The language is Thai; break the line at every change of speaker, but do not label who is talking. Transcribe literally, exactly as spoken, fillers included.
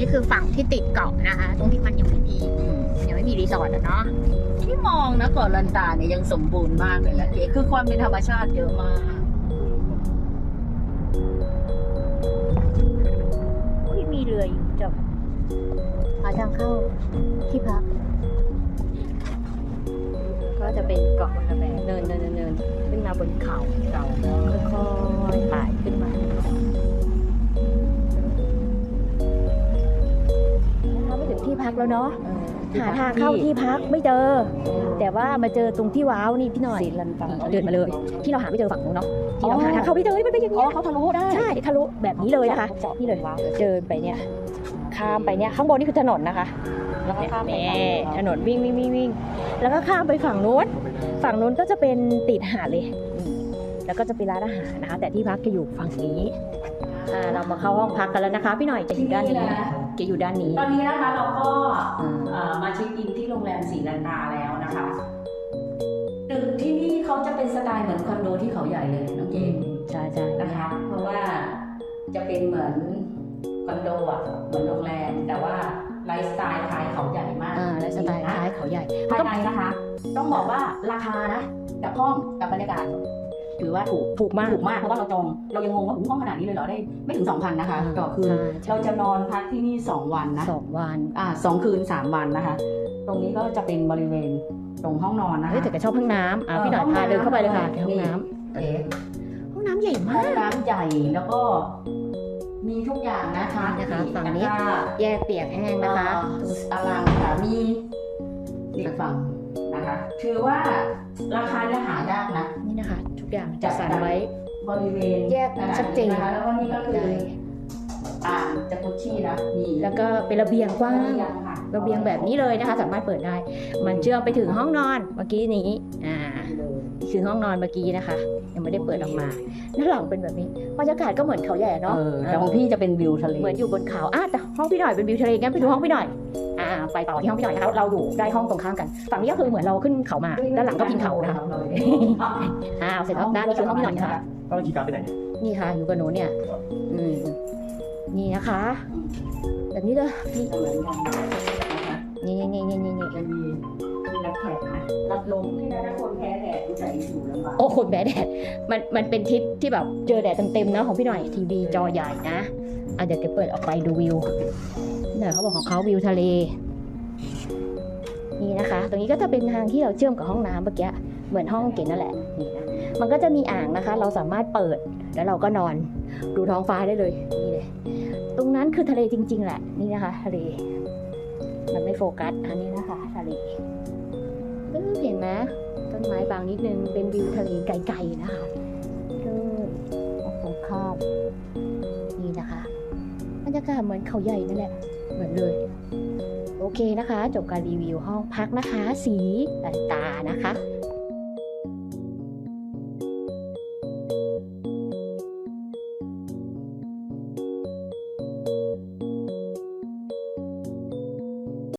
นี่คือฝั่งที่ติดเกาะนะคะตรงที่มันยังไม่มียังไม่มีรีสอร์ทอะเนาะ
ที่มองนะเกาะลันตาเนี่ยยังสมบูรณ์มากเลยนะเก๋คือความเป็นธรรมชาติเยอะมาก
มีเรืออยู่จบหาทางเข้าที่พักก็จะเป็นเกาะบนกระแบงเนินเนินเนินขึ้นมาบนเขาเราค่อยๆไต่ขึ้นมาเราไม่ถึงที่พักแล้วเนาะหาทางเข้าที่พักไม่เจอแต่ว่ามาเจอตรงที่ว้าวนี่พี่หน่อยเดินมาเลยที่เราหาไม่เจอฝั่งนู้นเนาะที่เราหาทางเข้าไม่เจอมันเป็นอย่างนี้
เขาทะลุได้
ใช่ทะลุแบบนี้เลยนะคะนี่เลยเดินไปเนี่ยข้ามไปเนี่ยข้างบนนี่คือถนนนะคะแล้วก็ข้ามไปถนนวิ่งวิ่งวิ่งวิ่งแล้วก็ข้ามไปฝั่งนู้นฝั่งนู้นก็จะเป็นติดหาดเลยแล้วก็จะเป็นร้านอาหารนะคะแต่ที่พักจะอยู่ฝั่งนี้เรามาเข้าห้องพักกันแล้วนะคะพี่หน่อยจะอยู่ด้านนี้จะอยู่ด้านนี้
ตอนนี้นะคะเราก็มาเช็คอินที่โรงแรมศรีลันตาแล้วนะคะตึกที่นี่เขาจะเป็นสไตล์เหมือนคอนโดที่เขาใหญ่เลยน้องเจน
ใช่ใช่
นะคะเพราะว่าจะเป็นเหมือนคอนโดอ่ะเหมือนโรงแรมแต่ว่าไลฟ์สไตล์คล้ายเขาใหญ่มาก
อ่าไลฟ์สไตล์คล้ายเขาใหญ่
ภายในนะคะต้องบอกว่าราคานะกับห้องกับบรรยากาศถือว่าถูก
ถูกมาก
ถูกมากเพราะว่าเราจองเรายังงงว่าห้องขนาดนี้เลยเหรอได้ไม่ถึง สองพัน นะคะต่อคืนเราจะนอนพักที่นี่สองวันนะ
สองวัน
อ่าสองคืนสามวันนะคะตรงนี้ก็จะเป็นบริเวณตรงห้องนอนนะคะ
แต่ก็ชอบห้องน้ำอ่าพี่หน่อยพาเดินเข้าไปเลยค่ะห้องน้ำห้องน้ำใหญ่มาก
ห้องน้ำใหญ่แล้วก็มีทุกอย่างนะคะ
นะคะฝั่งนี้แยกเปียกแห้งนะคะ
ตารางค่ะมีอีกฝั่งนะคะถือว่าราคาจะหายากนะ
นี่นะคะทุกอย่างจัดสรรไว้
บริเวณ
แยกชัดเจน
นะคะแล้วก็นี่ก็คืออ่างจักรุชี่นะมี
แล้วก็เป็นระเบียงกว้างระเบียงแบบนี้เลยนะคะสามารถเปิดได้มันเชื่อมไปถึงห้องนอนเมื่อกี้นี้อ่าคือห้องนอนเมื่อกี้นะคะยังไม่ได้เปิดออกมาด้านหลังเป็นแบบนี้บรรยากาศก็เหมือนเขาใหญ่เนาะ
แต่ของพี่จะเป็นวิวทะเล
เหมือนอยู่บนเขาอ่ะแต่ห้องพี่หน่อยเป็นวิวทะเลงั้นไปดูห้องพี่หน่อยอ่าไปต่อที่ห้องพี่หน่อยนะคะเราอยู่ได้ห้องตรงข้ามกันฝั่งนี้ก็คือเหมือนเราขึ้นเขามาด้านหลังก็พิงเขานะคะอ่าเสร็จแล้วด้านนี้คือห้องพี่หน่อยค่ะ
ก็คีย์การ์ดไปไหน
นี่ค่ะอยู่กับหนูเนี่ยอืมนี่นะคะแบบนี้เลยนี่นี่นี่นี่นี่
จะมีรับแขกนะรับลมที่นะคนแพ้แดดดูใจอยู่ลำบาก
โอ้คนแพ้แดดมันมันเป็นทริปที่แบบเจอแดดเต็มๆนะของพี่หน่อยทีวีจอใหญ่นะอ่ะเดี๋ยวจะเปิดออกไปดูวิวเนี่ยเขาบอกของเขาวิวทะเลนี่นะคะตรงนี้ก็จะเป็นทางที่เราเชื่อมกับห้องน้ำเมื่อกี้เหมือนห้องเก๋นั่นแหละนี่นะมันก็จะมีอ่างนะคะเราสามารถเปิดแล้วเราก็นอนดูท้องฟ้าได้เลยนี่เลยตรงนั้นคือทะเลจริงๆแหละนี่นะคะทะเลมันไม่โฟกัสอันนี้นะคะทะเลเห็นไหมต้นไม้บางนิดนึงเป็นวิวทะเลไกลๆนะคะก็ตรงข้ามนี่นะคะบรรยากาศเหมือนเขาใหญ่นั่นแหละเหมือนเลยโอเคนะคะจบการรีวิวห้องพักนะคะสีลันตานะคะ